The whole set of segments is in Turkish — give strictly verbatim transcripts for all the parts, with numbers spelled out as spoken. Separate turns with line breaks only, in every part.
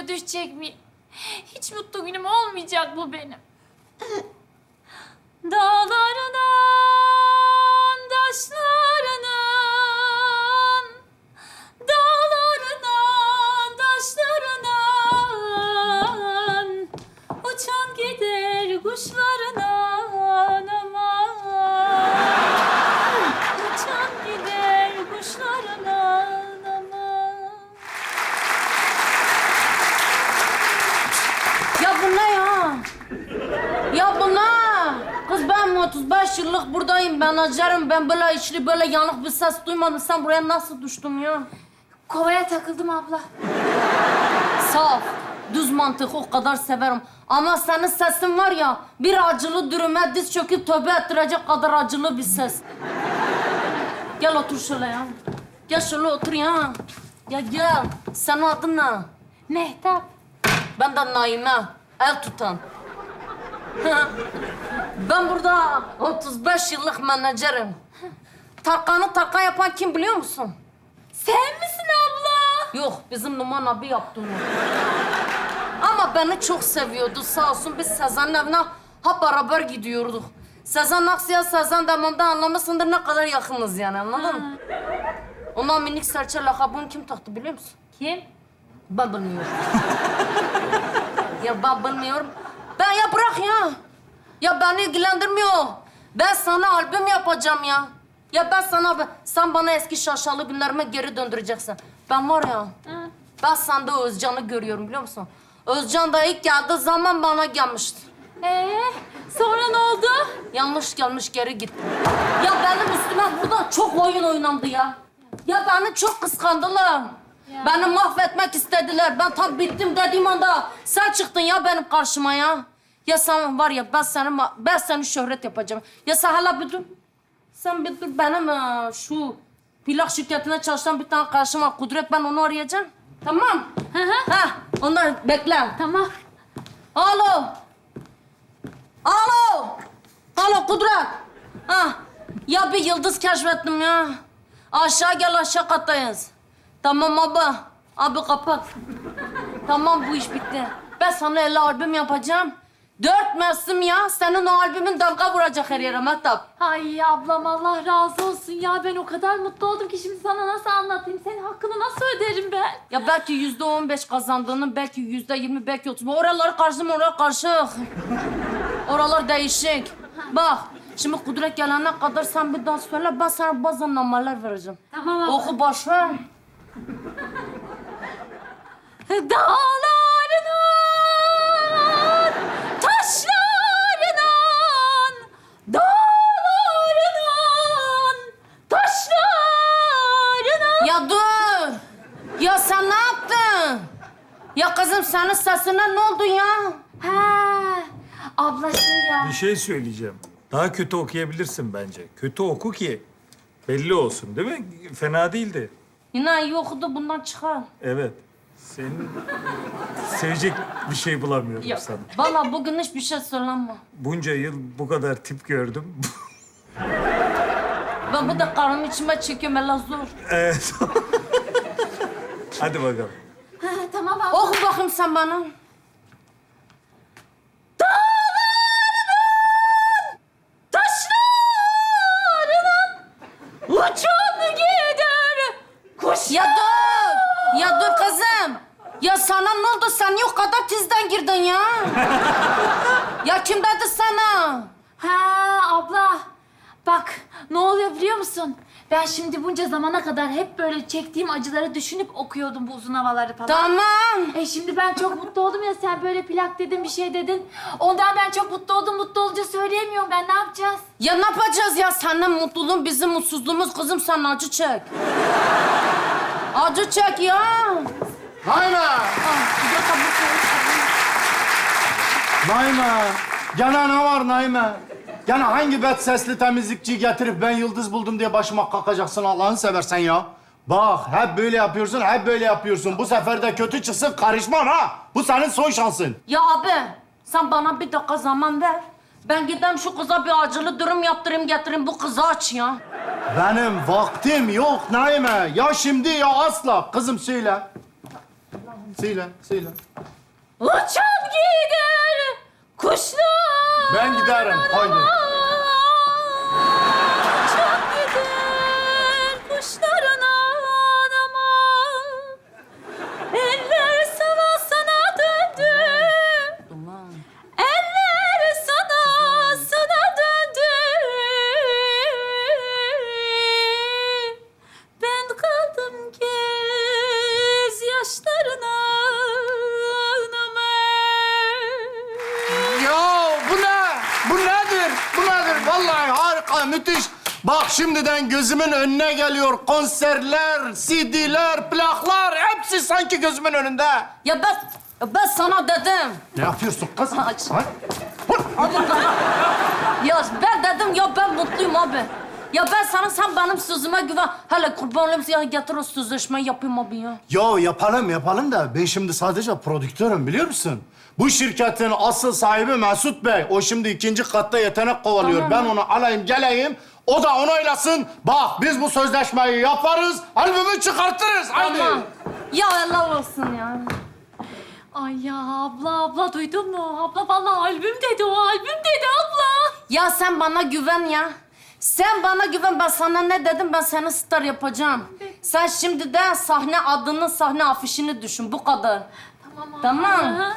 düşecek miyim? Hiç mutlu günüm olmayacak bu benim. Dağlarından, taşlarından, dağlarından, taşlarından, uçan gider kuşlarından aman. Uçan gider kuşlarından aman.
Ya bu ne ya? Ya bu ne? Kız ben otuz beş yıllık buradayım. Ben acarım. Ben böyle içli böyle yanık bir ses duymadım. Sen buraya nasıl düştün ya?
Kovaya takıldım abla.
Saf, düz mantık o kadar severim. Ama senin sesin var ya, bir acılı dürüme diz çöküp tövbe ettirecek kadar acılı bir ses. Gel otur şöyle ya. Gel şöyle otur ya. Ya gel. Senin adın ne?
Mehtap.
Ben de Naime. El tutan. Ben burada otuz beş yıllık menajerim. Tarkan'ı Tarkan yapan kim biliyor musun?
Sen misin abla?
Yok, bizim Numan abi yaptı onu. Ama beni çok seviyordu sağ olsun. Biz Sezen'in evine hep beraber gidiyorduk. Sezen Aksu'ya, Sezen Demam'da anlamışsındır ne kadar yakınız yani, anladın mı? Ona minik serçe lakabını kim taktı biliyor musun?
Kim?
Ben bilmiyorum. Ya ben bilmiyorum. Ben ya bırak ya. Ya beni ilgilendirmiyor. Ben sana albüm yapacağım ya. Ya ben sana, sen bana eski şaşalı günlerime geri döndüreceksin. Ben var ya,
Hı.
ben sende Özcan'ı görüyorum biliyor musun? Özcan da ilk geldiği zaman bana gelmişti.
Ee, sonra ne oldu?
Yanlış gelmiş geri gitti. Ya benim üstüme burada çok oyun oynandı ya. Ya beni çok kıskandılar.
Ya.
Beni mahvetmek istediler. Ben tam bittim dediğim anda sen çıktın ya benim karşıma ya. Ya sen var ya ben seni ma- ben seni şöhret yapacağım. Ya sen hala bir dur. Sen bir dur benim e, şu plak şirketine çalışan bir tane karşıma var, Kudret, ben onu arayacağım. Tamam.
Hı hı.
Ha, onlar bekle.
Tamam.
Alo. Alo. Alo Kudret. Ha. Ya bir yıldız keşfettim ya. Aşağı gel, aşağı kattayız. Tamam abi. Abi kapat. Tamam, bu iş bitti. Ben sana elli albüm yapacağım. Dört mevsim ya. Senin o albümün damga vuracak her yere Mehtap.
Ay ablam Allah razı olsun ya. Ben o kadar mutlu oldum ki şimdi sana nasıl anlatayım? Senin hakkını nasıl öderim ben?
Ya belki yüzde on beş kazandığını, belki yüzde yirmi, belki otuz. Oraları karıştırma, oralar karışık. Oralar değişik. Bak, şimdi Kudret gelene kadar sen bir daha söyle, ben sana bazen numaralar vereceğim.
Tamam abla.
Oku boş ver.
Dağlarından, taşlarından, dağlarından, taşlarından.
Ya dur! Ya sen ne yaptın? Ya kızım senin sesine ne oldu ya?
Ha, abla şey ya.
Bir şey söyleyeceğim. Daha kötü okuyabilirsin bence. Kötü oku ki belli olsun, değil mi? Fena değildi.
Yine iyi okudu, bundan çıkar.
Evet. Senin sevecek bir şey bulamıyorum sana.
Vallahi bugün hiçbir şey söylenme.
Bunca yıl bu kadar tip gördüm.
Ben bu da karnım içime çekiyorum, hele zor.
Evet. Hadi bakalım.
Ha, tamam abla.
Oku bakayım sen bana.
Taşlarından, uçan gider kuş.
Ya dur! Ya dur kızım! Ya sana ne oldu? Sen yok kadar tizden girdin ya. Ya kim dedi sana?
Ha abla, bak ne oluyor biliyor musun? Ben şimdi bunca zamana kadar hep böyle çektiğim acıları düşünüp okuyordum bu uzun havaları falan.
Tamam.
E şimdi ben çok mutlu oldum ya, sen böyle plak dedin, bir şey dedin. Ondan ben çok mutlu oldum, mutlu olunca söyleyemiyorum ben, ne yapacağız?
Ya ne yapacağız ya? Senin mutluluğun bizim mutsuzluğumuz kızım. Sen acı çek. Acı çek ya.
Naime!
Ah, bir dakika, bu şey-
Naime! Gene ne var Naime? Gene hangi bet sesli temizlikçiyi getirip ben yıldız buldum diye başıma kakacaksın Allah'ını seversen ya? Bak hep böyle yapıyorsun, hep böyle yapıyorsun. Bu sefer de kötü çıksın karışmam ha. Bu senin son şansın.
Ya abi, sen bana bir dakika zaman ver. Ben gideyim şu kıza bir acılı dürüm yaptırayım, getireyim bu kızı aç ya.
Benim vaktim yok Naime. Ya şimdi ya asla. Kızım söyle. söyle, söyle.
Uçan gider kuşlar.
Ben giderim, haydi.
Uçan gider kuşların anama. Eller sana sana döndü.
Ulan.
Eller sana sana döndü. Ben kaldım göz yaşlarına.
Ya bu ne? Bu nedir? Bu nedir? Vallahi harika, müthiş. Bak şimdiden gözümün önüne geliyor. Konserler, C D'ler, plaklar hepsi sanki gözümün önünde.
Ya ben, ben sana dedim.
Ne yapıyorsun kız?
Aç.
Ha?
Abi ben... Ya ben dedim ya ben mutluyum abi. Ya ben sana sen benim sözüme güven. Hele kurban olayım ya getir o sözleşmeyi yapayım abi ya.
Yo yapalım yapalım da ben şimdi sadece prodüktörüm biliyor musun? Bu şirketin asıl sahibi Mesut Bey. O şimdi ikinci katta yetenek kovalıyor.
Tamam.
Ben onu alayım geleyim. O da onaylasın. Bak biz bu sözleşmeyi yaparız. Albümü çıkartırız. Haydi.
Tamam. Ya helal olsun ya.
Ay ya abla abla duydun mu? Abla vallahi albüm dedi o albüm dedi abla.
Ya sen bana güven ya. Sen bana güven. Ben sana ne dedim? Ben seni star yapacağım. Sen şimdi de sahne adını, sahne afişini düşün. Bu kadar.
Tamam abla.
Tamam.
Hı.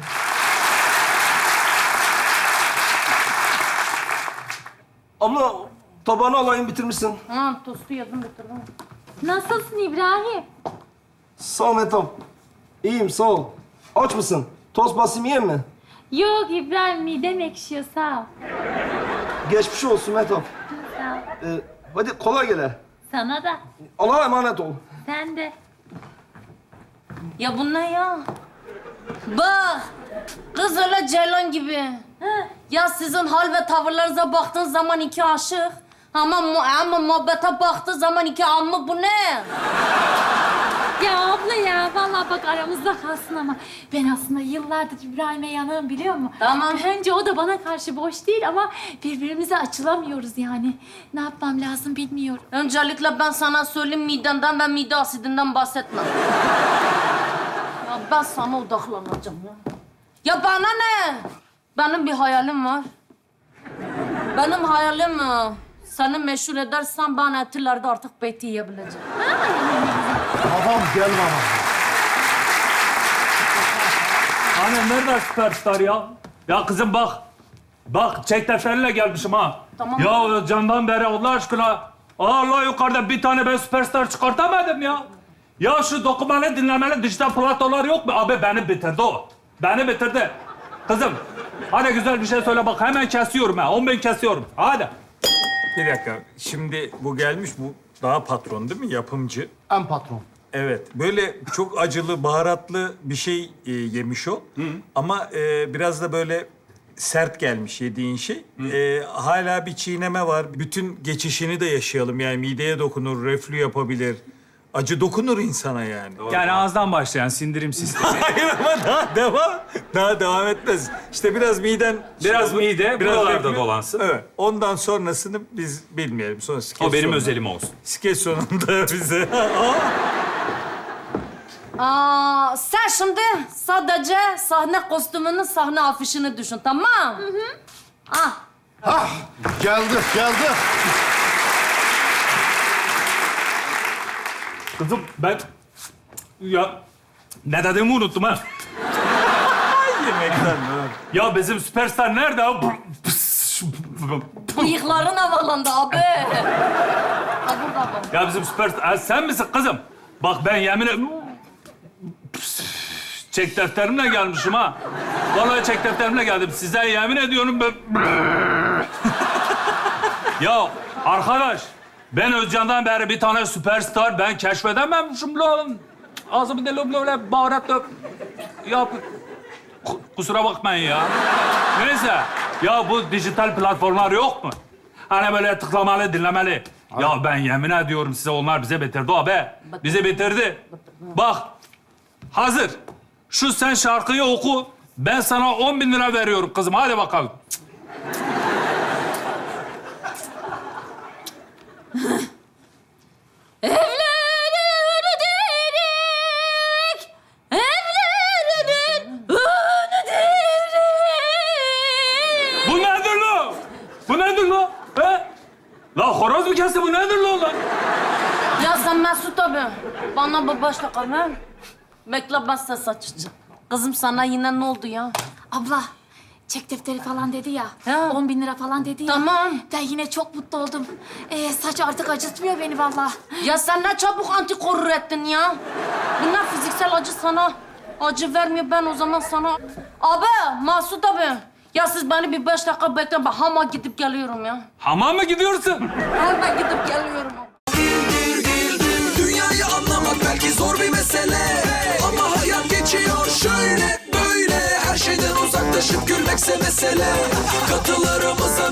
Abla tabağını alayım bitirmişsin.
Ha, tostu yedim bitirdim.
Nasılsın İbrahim?
Sağ ol Mehtap. İyiyim sağ ol. Aç mısın? Tost basayım yiyeyim mi?
Yok İbrahim midem ekşiyor sağ ol.
Geçmiş olsun Mehtap.
Sağ ol.
Ee, hadi kolay gele.
Sana da.
Allah'a emanet ol.
Sen de.
Ya bu ne ya? Bak, kız öyle ceylan gibi.
Hı.
Ya sizin hal ve tavırlarınıza baktığın zaman iki aşık. Ama, mu ama muhabbete baktığı zaman iki ammı bu ne?
Ya abla ya vallahi bak aramızda kalsın ama ben aslında yıllardır İbrahim'e yanığım biliyor musun?
Tamam.
Bence o da bana karşı boş değil ama birbirimize açılamıyoruz yani. Ne yapmam lazım bilmiyorum.
Öncelikle ben sana söyleyeyim midenden ve mide asidinden bahsetme. Ya ben sana odaklanacağım ya. Ya bana ne? Benim bir hayalim var. Benim hayalim mi? Seni meşhur edersen ben etilerde artık beyti yiyebileceğim.
Babam gel bana.
Anne nerede süperstar ya? Ya kızım bak. Bak çek defterle gelmişim ha.
Tamam.
Ya candan beri Allah aşkına. Allah yukarıda bir tane ben süperstar çıkartamadım ya. Ya şu dokumalı dinlemeli dijital platformlar yok mu? Abi beni bitirdi o. Beni bitirdi. Kızım hadi güzel bir şey söyle bak hemen kesiyorum ha. On bin kesiyorum. Hadi. Bir dakika. Şimdi bu gelmiş bu daha patron değil mi? Yapımcı.
En patron.
Evet. Böyle çok acılı, baharatlı bir şey e, yemiş o. Ama e, biraz da böyle sert gelmiş yediğin şey. E, hala bir çiğneme var. Bütün geçişini de yaşayalım. Yani mideye dokunur, reflü yapabilir. Acı dokunur insana yani.
Yani ağızdan başlayan sindirim sistemi.
Hayır ama daha devam. Daha devam etmez. İşte biraz miden...
Biraz
şey olur,
mide, buralarda
reflü.
dolansın.
Evet. Ondan sonrasını biz bilmeyelim. Sonra skeç
O benim
sonunda-
özelim olsun.
Skeç sonunda bize...
Aa, sen şimdi sadece sahne kostümünün sahne afişini düşün, tamam? Hı hı. Ah,
Hah, geldik, geldik.
Kızım ben... Ya ne dediğimi unuttum ha.
Yemekten evet.
Ya bizim süperstar nerede? ha?
bıyıkların havalandı abi. Ha burada bak.
Ya bizim süperstar... Ha, sen misin kızım? Bak ben yemin ederim... Çek defterimle gelmişim ha. Vallahi çek defterimle geldim. Size yemin ediyorum ben... Ya arkadaş, ben Özcan'dan beri bir tane süperstar ben keşfedememişim lan. Ağzımı deli böyle baharatla... Ya ku- kusura bakmayın ya. Neyse, ya bu dijital platformlar yok mu? Hani böyle tıklamalı, dinlemeli. Ya ben yemin ediyorum size onlar bize bitirdi abi. Bizi bitirdi. Bak, hazır. Şu sen şarkıyı oku. Ben sana on bin lira veriyorum kızım. Hadi bakalım.
Evlenirdik, evlenirdik.
kahvesi bu nedir lan lan?
Ya sen Mesut abi, bana bir beş dakika ver. Bekle ben ses açacağım. Kızım sana yine ne oldu ya?
Abla, çek defteri falan dedi ya.
Ha.
On bin lira falan dedi ya.
Tamam.
Ben yine çok mutlu oldum. Ee, saç artık acıtmıyor beni vallahi.
Ya sen ne çabuk antikorur ettin ya. Bunlar fiziksel acı sana acı vermiyor. Ben o zaman sana... Abi, Masut abi. Ya siz beni bir beş dakika bekleyin. Ben hama gidip geliyorum ya.
Hamama mı gidiyorsun?
Hemen gidip geliyorum.
Dünyayı anlamak belki zor bir mesele, ama hayat geçiyor şöyle böyle. Her şeyden uzaklaşıp gülmekse mesele. Katılarımıza